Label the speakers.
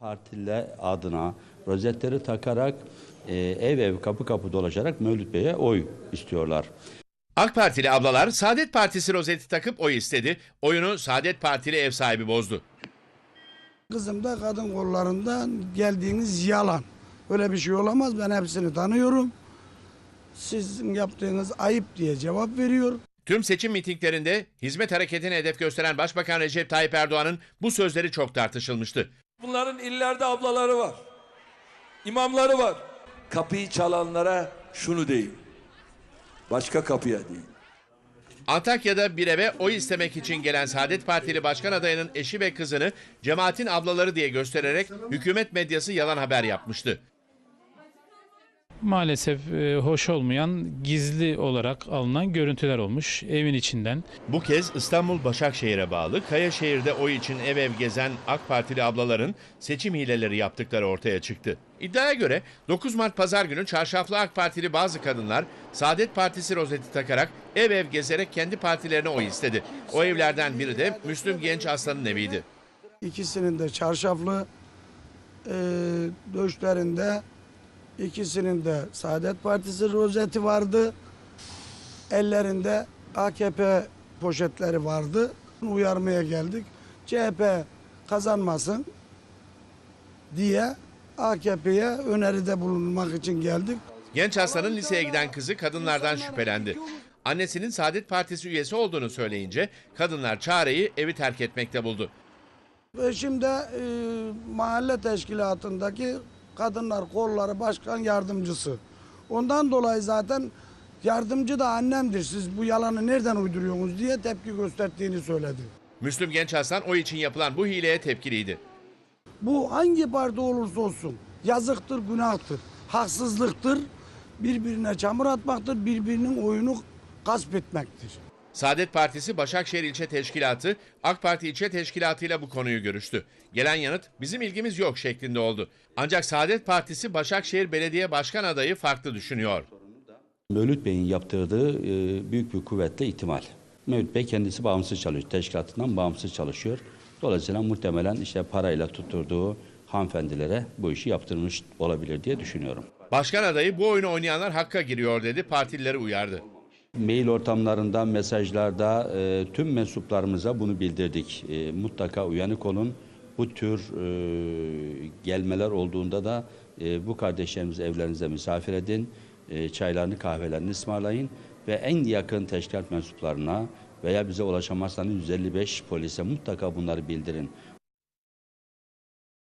Speaker 1: Partililer adına rozetleri takarak ev ev kapı kapı dolaşarak Mevlüt Bey'e oy istiyorlar.
Speaker 2: AK Partili ablalar Saadet Partisi rozeti takıp oy istedi. Oyunu Saadet Partili ev sahibi bozdu.
Speaker 3: Kızım da kadın kollarından geldiğiniz yalan. Öyle bir şey olamaz. Ben hepsini tanıyorum. Sizin yaptığınız ayıp diye cevap veriyor.
Speaker 2: Tüm seçim mitinglerinde hizmet hareketine hedef gösteren Başbakan Recep Tayyip Erdoğan'ın bu sözleri çok tartışılmıştı.
Speaker 4: Bunların illerde ablaları var. İmamları var. Kapıyı çalanlara şunu deyin. Başka kapıya değil.
Speaker 2: Antakya'da bir eve oy istemek için gelen Saadet Partili başkan adayının eşi ve kızını cemaatin ablaları diye göstererek hükümet medyası yalan haber yapmıştı.
Speaker 5: Maalesef hoş olmayan gizli olarak alınan görüntüler olmuş evin içinden.
Speaker 2: Bu kez İstanbul Başakşehir'e bağlı Kayaşehir'de oy için ev ev gezen AK Partili ablaların seçim hileleri yaptıkları ortaya çıktı. İddiaya göre 9 Mart Pazar günü çarşaflı AK Partili bazı kadınlar Saadet Partisi rozeti takarak ev ev gezerek kendi partilerine oy istedi. O evlerden biri de Müslüm Genç Aslan'ın eviydi.
Speaker 3: İkisinin de çarşaflı döşlerinde, ikisinin de Saadet Partisi rozeti vardı. Ellerinde AKP poşetleri vardı. Uyarmaya geldik. CHP kazanmasın diye AKP'ye öneride bulunmak için geldik.
Speaker 2: Genç Aslan'ın liseye giden kızı kadınlardan şüphelendi. Annesinin Saadet Partisi üyesi olduğunu söyleyince kadınlar çareyi evi terk etmekte buldu.
Speaker 3: Ve şimdi mahalle teşkilatındaki kadınlar kolları başkan yardımcısı. Ondan dolayı zaten yardımcı da annemdir. Siz bu yalanı nereden uyduruyorsunuz diye tepki gösterdiğini söyledi.
Speaker 2: Müslüm Genç Aslan o için yapılan bu hileye tepkiliydi.
Speaker 3: Bu hangi parti olursa olsun yazıktır, günahtır, haksızlıktır, birbirine çamur atmaktır, birbirinin oyunu gasp etmektir.
Speaker 2: Saadet Partisi Başakşehir İlçe Teşkilatı, AK Parti İlçe Teşkilatı ile bu konuyu görüştü. Gelen yanıt bizim ilgimiz yok şeklinde oldu. Ancak Saadet Partisi Başakşehir Belediye Başkan adayı farklı düşünüyor.
Speaker 1: Mevlüt Bey'in yaptırdığı büyük bir kuvvetle ihtimal. Mevlüt Bey kendisi bağımsız çalışıyor, teşkilatından bağımsız çalışıyor. Dolayısıyla muhtemelen işte parayla tutturduğu hanımefendilere bu işi yaptırmış olabilir diye düşünüyorum.
Speaker 2: Başkan adayı bu oyunu oynayanlar hakka giriyor dedi, partilileri uyardı.
Speaker 1: Mail ortamlarında, mesajlarda tüm mensuplarımıza bunu bildirdik. Mutlaka uyanık olun. Bu tür gelmeler olduğunda da bu kardeşlerimizi evlerinize misafir edin. Çaylarını, kahvelerini ısmarlayın. Ve en yakın teşkilat mensuplarına veya bize ulaşamazsanız 155 polise mutlaka bunları bildirin.